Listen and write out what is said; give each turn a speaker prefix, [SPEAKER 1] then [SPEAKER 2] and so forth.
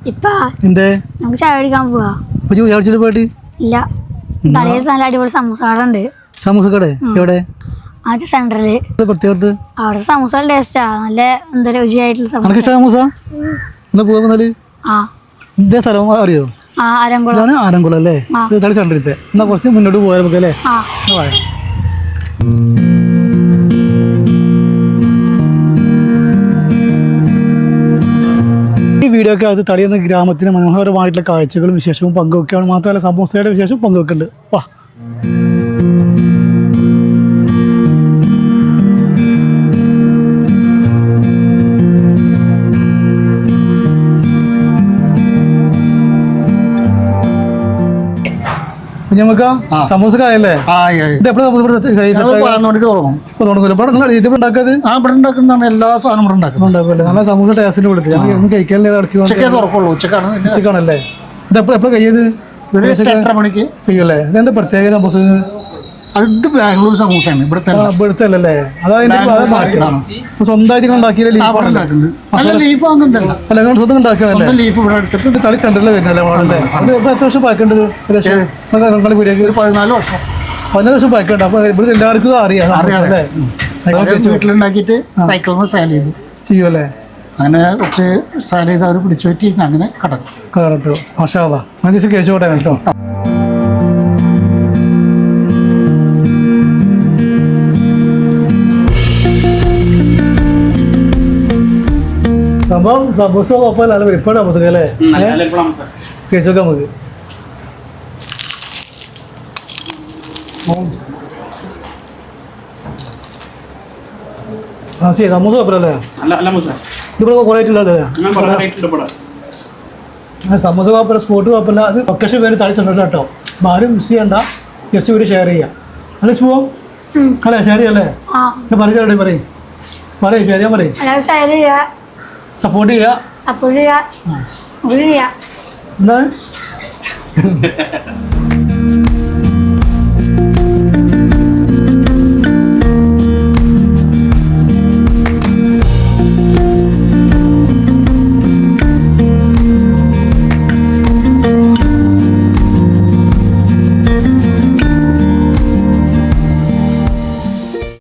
[SPEAKER 1] ഇപ്പാ
[SPEAKER 2] എന്തേ
[SPEAKER 1] നമുക്ക് ചായ കുടിക്കാൻ പോവാ.
[SPEAKER 2] ചാടിച്ചിട്ട് പോയിട്ട്
[SPEAKER 1] ഇല്ല, തലേദിവസം നല്ല അടിപൊളി സമൂസ കട ഉണ്ട്.
[SPEAKER 2] സമൂസ കട എവിടെ?
[SPEAKER 1] അത് സെന്ററില്.
[SPEAKER 2] പ്രത്യേകത്ത്
[SPEAKER 1] അവിടെ സമൂസ ടേസ്റ്റാ, നല്ല എന്താ രുചിയായിട്ടുള്ള സമൂസ.
[SPEAKER 2] സമൂസ എന്നാ പോകുന്നാല്
[SPEAKER 1] ആ
[SPEAKER 2] ഇതേ സ്ഥലം അറിയോ?
[SPEAKER 1] ആരംകുളം.
[SPEAKER 2] ആരംകുളം അല്ലേ? തളി സെന്ററിലത്തെ. എന്നാ കുറച്ച് മുന്നോട്ട് പോയാൽ നമുക്ക് അല്ലേ? ഈ വീഡിയോ ഒക്കെ അത് തളി എന്ന ഗ്രാമത്തിന് മനോഹരമായിട്ടുള്ള കാഴ്ചകളും വിശേഷവും പങ്കുവെക്കുകയാണ്. മാത്രമല്ല സമൂസയുടെ വിശേഷം പങ്കുവെക്കുന്നുണ്ട്. വാ. നമുക്ക് സമൂസക്കായല്ലേ?
[SPEAKER 3] എല്ലാ സാധനവും
[SPEAKER 2] നല്ല സമൂസ ടേസ്റ്റിന് കൊടുത്ത് ഞങ്ങൾ കഴിക്കാനല്ലേ? ഇത് എപ്പോഴും കഴിയത് കഴിയല്ലേ? ഇതെന്താ പ്രത്യേക സമൂസ?
[SPEAKER 3] അത് ബാംഗ്ലൂർ സമൂസയാണ്.
[SPEAKER 2] ഇവിടുത്തെ അല്ലേ? അതായത് സ്വന്തമായിട്ട് ഉണ്ടാക്കിയല്ലേ? സ്വന്തം ഉണ്ടാക്കിയാണല്ലേ? തളി സെന്ററിൽ വരുന്നല്ലേ? എത്ര വർഷം പാക്കേണ്ടത്?
[SPEAKER 3] 14 വർഷം.
[SPEAKER 2] 14 വർഷം പാക്കേണ്ട. അപ്പൊ ഇവിടെ എല്ലാവർക്കും അറിയാം അല്ലേ?
[SPEAKER 3] വീട്ടിലുണ്ടാക്കിയിട്ട് സൈക്കിളിൽ സെയിൽ ചെയ്തു
[SPEAKER 2] ചെയ്യുമല്ലേ?
[SPEAKER 3] അങ്ങനെ കുറച്ച് സെയിൽ ചെയ്ത് അവർ പിടിച്ചു പറ്റി അങ്ങനെ കടക്കും.
[SPEAKER 2] കേട്ടോ മാഷാ അല്ലാഹ്. ഞാൻ ദിവസം കേശോട്ടെ കേട്ടോ. സംഭവം സമൂസ കുഴപ്പമില്ല, നല്ല വെളിപ്പാട് സമൂസ അല്ലേ? കഴിച്ചോക്കാം നമുക്ക്. ആ ശരി, സമൂസ കുഴപ്പമില്ലല്ലേ? ഇവിടെ കുറേ ആയിട്ടുള്ളതല്ലേ? സമൂസ കുഴപ്പമില്ല, സ്പോട്ട് കുഴപ്പമില്ല. അത് ലൊക്കേഷൻ പേര് തളി സെന്ററിൽ കേട്ടോ. അപ്പം ആരും മിസ് ചെയ്യണ്ട, ജസ്റ്റ് ഇവര് ഷെയർ ചെയ്യാം അല്ലേ? പോവാം അല്ലേ? ഷെയർ ചെയ്യല്ലേ? പറയും പറയും ഷെയർ ചെയ്യാൻ പറയും. സപ്പോർട്ട് ചെയ്യുക.
[SPEAKER 1] എന്താണ്